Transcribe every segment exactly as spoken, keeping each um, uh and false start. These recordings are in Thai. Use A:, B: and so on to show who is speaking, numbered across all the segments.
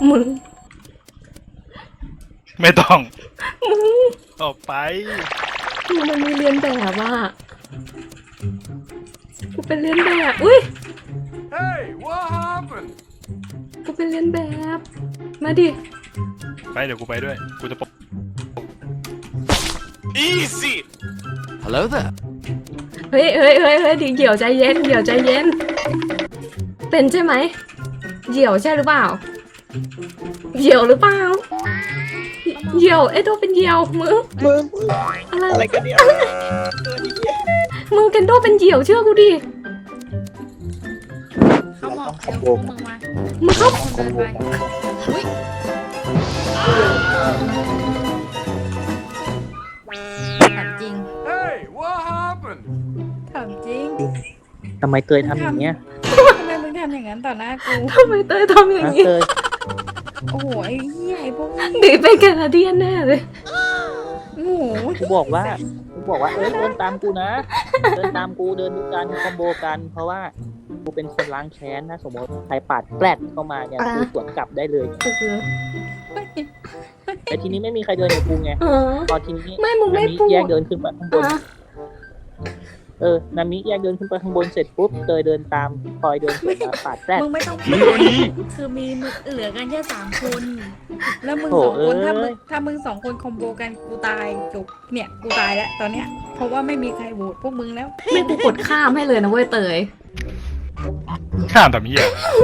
A: มึง
B: ไม่ต้อง
A: มึง
B: ออกไป
A: มึงมันมีเรียนแบบอ่ะกูเป็นเรียนแบบอุ้ย
C: Hey, what happened?
A: กูเป็นเรียนแบบมาดิ
B: ไปเดี๋ยวกูไปด้วยกูจะปก
C: Easy. Hello there.
A: เฮ้ยเฮ้ยเฮ้ยเฮ้ยเดี๋ยวใจเย็นเดี๋ยวใจเย็นเป็นใช่ไหมเหี่ยวใช่หรือเปล่าเหี่ยวหรือเปล่าเหี่ยวไอ้ตัวเป็นเหี่ยวมึง
D: มึง
A: อะไร
D: อะไรกันเนี่ย
A: มึงเคนโดเป็นเหี่ยวเชื่อกูดิ
E: เขาบอกเดี๋ยวพวกมึงมา
A: มึงเข้า
E: คนเดินไปอุ้ยถามจริง
C: Hey, what happened?
E: ถามจริง
D: ทำไมเตยทำอย่างเงี้ย
E: ทำไมมึงทำอย่างนั้นต่อหน้ากู
A: ทำไมเตยทำอย่าง
D: นะ
A: นี้
D: เตย
E: โอ้โหไอ้เหี้ยไอ้พวกนี้
A: ดีเป็นแคนาเดียนแน่เลย
E: โอ้โห
D: กูบอกว่ากูบอกว่าเอ้ยเดินตามกูนะ เดินตามกูเดินด้วยกันคอมโบกัน เพราะว่ากูเป็นคนล้างแค้นนะสมมติใครปาดแปลดเข้ามาเนี่ยกูสวนกลับได้เลย แต่ทีนี้ไม่มีใครเดินกับกูไง
A: อ๋อ
D: พอทีนี้
A: ไม่มึงไม่
D: นามิ
A: พูด
D: แยกเดินขึ้นไปข้างบน
A: อ่ะ
D: เออนามิแยกเดินขึ้นไปข้างบนเสร็จปุ๊บเตยเดินตามพลอยเดินสวนมาปาดแปลด
E: มึงไม่ต้องพูดคือมีมึงเหลือกันแค่สามคน แล้วมึง
D: โถ่
E: สองคนถ้า
D: เอ้
E: มึ
D: ย
E: งถ้ามึงสองคนคอมโบกันกูตายจบเนี่ยกูตายแล้วตอนเนี้ยเพราะว่าไม่มีใครโหวตพวกมึงแล้ว
A: ไม่กูกดข้ามให้เลยนะเว้ยเตย
B: ข้ามทำเหี้ย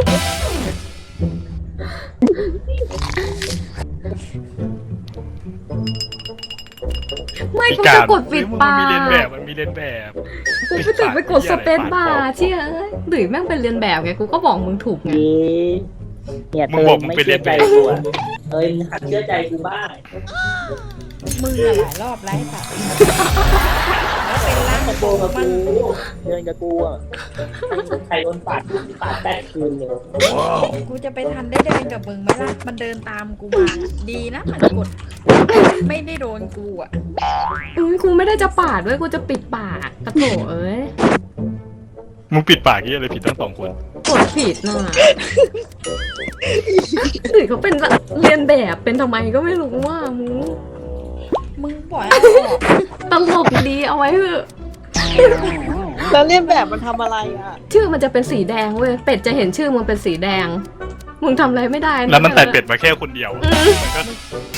A: ไม่กูจะกดปิด
B: มึง
A: ปา
B: มันมีเรียนแบบ
A: ก
B: มันมีเรียนแบบ
A: กูไปติดไปกดสเปซบาร์เชี่ยเอ้ยหรือแม่งเป็นเรียนแบบไงกูก็บอกมึงถูกไง
D: เย้เนี่ยเตยไม่เชื่อใจกูอะเตยมึงหัดเชื่อใจกูบ้าง
E: มึงอะหลายรอบไล่ค่ะแล้วเป็นร่าง
D: คอมโบกับ
E: มัน
D: กูเดินกับกูอ่ะใครโดนปาดปาดแปดคืนเลย
E: กูจะไปทันได้เดินกับมึงไหมล่ะมันเดินตามกูมาดีนะมันกดไม่ได้โดนกูอ่ะ
A: อุ้ยกูไม่ได้จะปาดด้วยกูจะปิดปากกระโถเอ้ย
B: มึงปิดปากเหี้ยอะไรผิดทั้งสองคน
A: กดผิดน่ะหรือเขาเป็นเรียนแบบเป็นทำไมก็ไม่รู้ว่ามึง
E: มึงปล่อยเอาออก
A: ตลกดีเอาไว้เถอะ
D: แล้วเรียนแบบมันทำอะไรอ่ะ
A: ชื่อมันจะเป็นสีแดงเว้ยเป็ดจะเห็นชื่อมึงเป็นสีแดงมึงทำอะไรไม่ได้ะ
B: แล้วมันแต่เป็ดมาแค่คนเดียว
A: อืม
B: มันก็